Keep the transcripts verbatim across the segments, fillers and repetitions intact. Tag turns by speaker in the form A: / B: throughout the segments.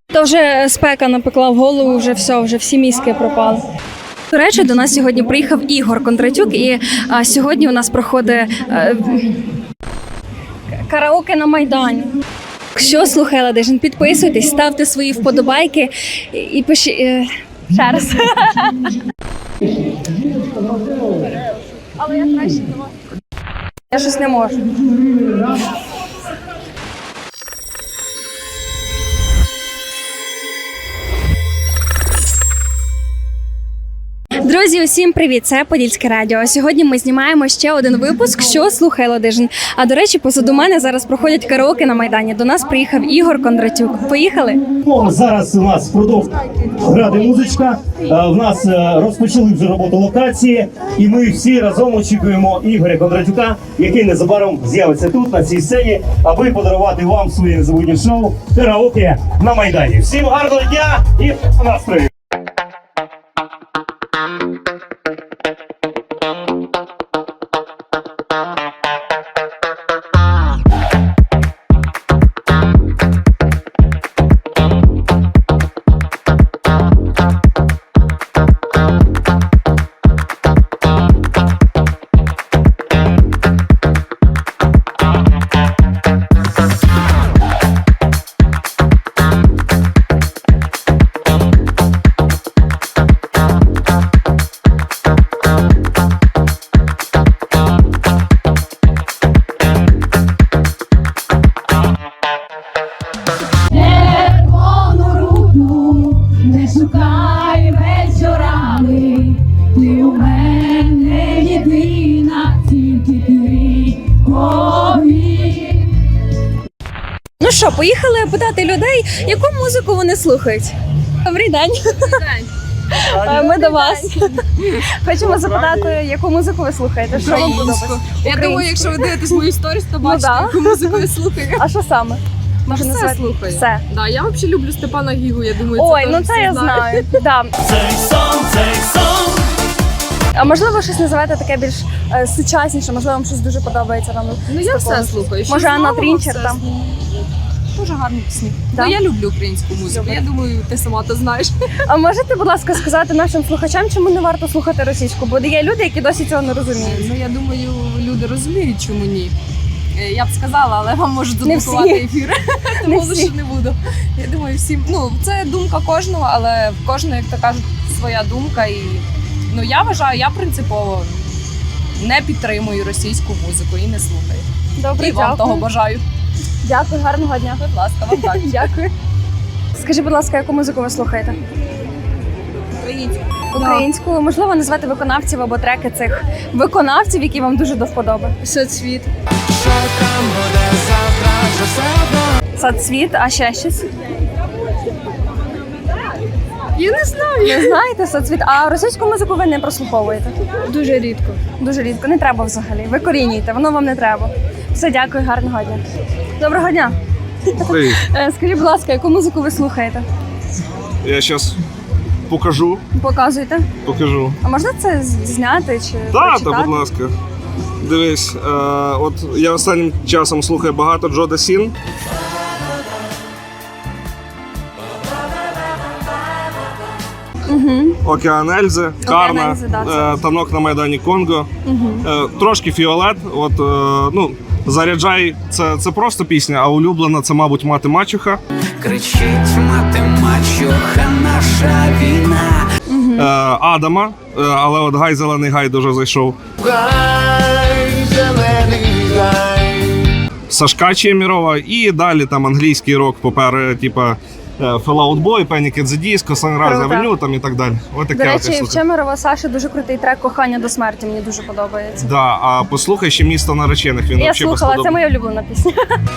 A: То вже спека напекла в голову, вже все, вже всі мізки пропали. До речі, до нас сьогодні приїхав Ігор Кондратюк, і а, сьогодні у нас проходить а, караоке на Майдані. Якщо слухає Ладижин, підписуйтесь, ставте свої вподобайки і, і пишіть. Е, ще раз. Але я краще не можу. Я щось не можу. Друзі, усім привіт! Це Подільське радіо. Сьогодні ми знімаємо ще один випуск «Що слухає Ладижин». А до речі, позаду мене зараз проходять караоке на Майдані. До нас приїхав Ігор Кондратюк. Поїхали?
B: Зараз у нас продовж грати музичка. В нас розпочали вже роботу локації, і ми всі разом очікуємо Ігоря Кондратюка, який незабаром з'явиться тут, на цій сцені, аби подарувати вам своє незабутнє шоу «Караоке на Майдані». Всім гарного дня і настрою!
A: Ну що, поїхали питати людей, яку музику вони слухають. Добрий день. Ми до вас. Хочемо запитати, яку музику ви слухаєте? Що вам подобається?
C: Я думаю, якщо ви дивитесь мої сторіс, то бачите,
A: да.
C: яку музику я слухаю.
A: А що саме? Може,
C: Все
A: назвати?
C: слухаю.
A: Все.
C: Да, я взагалі люблю Степана Гігу, я думаю, це
A: Ой,
C: теж
A: ну
C: всі
A: це я
C: знають.
A: знаю. Да.
B: Цей сон, цей сон.
A: А можливо, щось називаєте таке більш е, сучасніше, можливо, вам щось дуже подобається там.
C: Ну я все слухаю. Що
A: Може, Анна
C: нового,
A: Трінчер
C: все
A: там?
C: слухаю. Дуже гарні пісні.
A: Да?
C: Ну я люблю українську музику,
A: Добре.
C: я думаю, ти сама то знаєш.
A: А можете, будь ласка, сказати нашим слухачам, чому не варто слухати російську? Бо є люди, які досі цього не розуміють.
C: Ну я думаю, люди розуміють, чому ні. Е, Я б сказала, але вам можуть
A: Не
C: заблокувати
A: всі.
C: ефір,
A: Не
C: тому
A: всі.
C: лише не буду. Я думаю, всім, ну це думка кожного, але в кожного, як то кажуть, своя думка. І ну я вважаю, я принципово не підтримую російську музику і не слухаю.
A: Добре,
C: І вам
A: дякую.
C: того бажаю.
A: Дякую, гарного дня.
C: Будь ласка, вам так.
A: Дякую. Скажіть, будь ласка, яку музику ви слухаєте?
C: Українську.
A: Українську. Можливо, назвати виконавців або треки цих виконавців, які вам дуже до вподоби.
C: Соцвіт.
A: Соцвіт, а ще щось?
C: Я не знаю.
A: Не знаєте соцвіт? А російську музику ви не прослуховуєте?
C: Дуже рідко.
A: Дуже рідко. Не треба взагалі. Викорінюйте, воно вам не треба. Все, дякую, гарного дня. Доброго дня.
D: Привіт.
A: Е, Скажіть, будь ласка, яку музику ви слухаєте?
D: Я зараз покажу,
A: Показуйте.
D: покажу.
A: А можна це з- зняти чи
D: Так,
A: прочитати?
D: та, будь ласка. Дивись, е, от я останнім часом слухаю багато Джо Дасін.
A: Угу.
D: Океан Ельзи, Карна,
A: Ельзи, да, це.
D: е, Танок на Майдані Конго, е, трошки Фіолет. От, е, ну, Заряджай це, це просто пісня, а улюблена це, мабуть, Мати Мачуха.
E: Кричить мати мачуха, наша війна.
D: Е, Адама, е, але от Гай Зелений Гай дуже зайшов.
E: Гай, зелений гай.
D: Сашка Чемірова і далі там англійський рок попереду, типа е, Fall Out Boy, Panic at the Disco, Sunrise
A: Круто.
D: Avenue там і так далі. Ось
A: До
D: таке от я
A: речі, в
D: слухаю.
A: Чемерова Саші дуже крутий трек «Кохання до смерті», мені дуже подобається.
D: Да, а послухай ще «Місто наречених», він
A: Я
D: взагалі
A: слухала, це
D: безподобний.
A: моя улюблена пісня.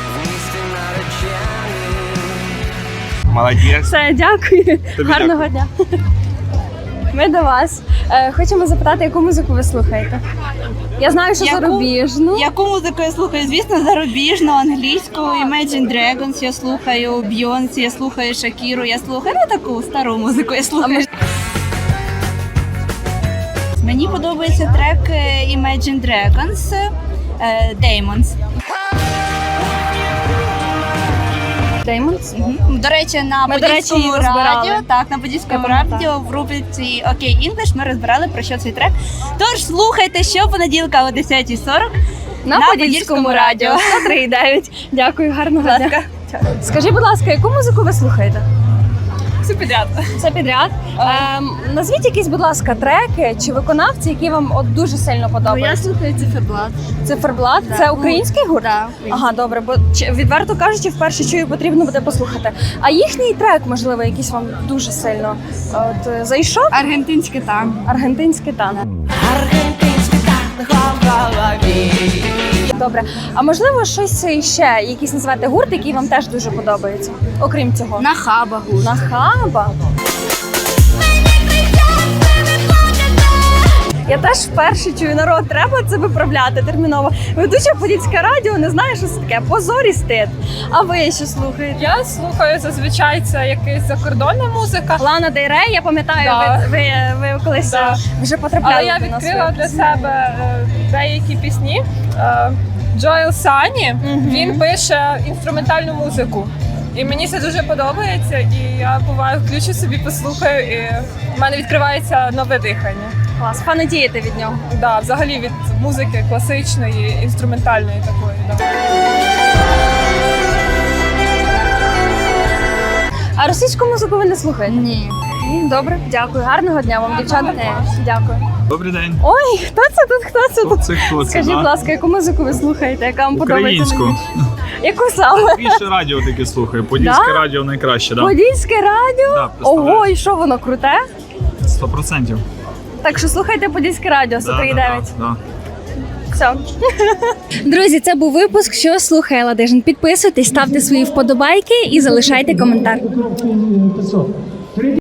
D: Молодець.
A: Все, дякую.
D: Тобі
A: Гарного дня. Ми до вас. Е, Хочемо запитати, яку музику ви слухаєте? Я знаю, що
F: Яку?
A: зарубіжну.
F: Яку музику я слухаю? Звісно, зарубіжну, англійську, Imagine Dragons я слухаю, Beyoncé, я слухаю Шакіру, я слухаю, ну таку стару музику я слухаю. Мені подобається трек е, Imagine Dragons е, Demons.
A: Деймонс.
F: До речі, на
A: Ми, до речі,
F: Подільському
A: її розбирали.
F: радіо, так, на Подільському
A: Ага,
F: радіо в рубриці Окей Інглиш ми розбирали про що цей трек. Тож слухайте щопонеділка о десятій сорок
A: На,
F: на
A: Подільському радіо сто три і дев'ять. Дякую, гарного
F: Будь
A: дня.
F: ласка.
A: Скажіть, будь ласка, яку музику ви слухаєте?
C: Все підряд.
A: Все підряд. Ем, назвіть якісь, будь ласка, треки чи виконавці, які вам от дуже сильно подобаються.
F: слухаю циферблат.
A: Циферблат
F: Да.
A: це український гурт?
F: Да,
A: Ага, добре, бо чи- відверто кажучи, вперше чую, потрібно буде послухати. А їхній трек, можливо, якийсь вам дуже сильно от, е, зайшов?
F: Аргентинський танк.
A: Аргентинський танк.
E: Аргентинський танк в голові.
A: Добре. А можливо, щось ще, якийсь назвати гурт, який вам теж дуже подобається, окрім цього?
F: Нахаба гурт.
A: Нахаба. Я теж вперше чую, народ, треба це виправляти терміново. Ведуча Подільське радіо не знає, що це таке. Позор і стид. А ви що слухаєте?
C: Я слухаю зазвичай це якась закордонна музика.
A: Лана Дель Рей, я пам'ятаю,
C: Да.
A: ви, ви, ви колись
C: Да.
A: е, вже потрапляли
C: Але я
A: до нас.
C: відкрила для себе е, деякі пісні. Е, Джоел Сані,
A: Мгм.
C: він пише інструментальну музику. І мені це дуже подобається, і я буваю включу собі, послухаю, і в мене відкривається нове дихання.
A: Клас, фанатієте від нього.
C: Да, взагалі від музики класичної, інструментальної такої. Да.
A: А російську музику ви не слухаєте?
F: Ні.
A: Ні, добре, дякую. Гарного дня вам, дівчата. Дякую.
G: Добрий день.
A: Ой, хто це тут? Хто це тут?
G: Це хто це?
A: Скажіть, будь
G: да?
A: ласка, яку музику ви слухаєте, яка вам подобається?
G: Українську.
A: найбільше? Яку саме?
G: Більше радіо таке слухаю. Подільське
A: Да?
G: радіо найкраще, так?
A: Подільське радіо?
G: Да,
A: Ого, і що воно круте?
G: Сто процентів.
A: Так що слухайте Подільське радіо сто три і дев'ять.
G: Да.
A: Все. Друзі, це був випуск «Що слухає Ладижин». Підписуйтесь, ставте свої вподобайки і залишайте коментар.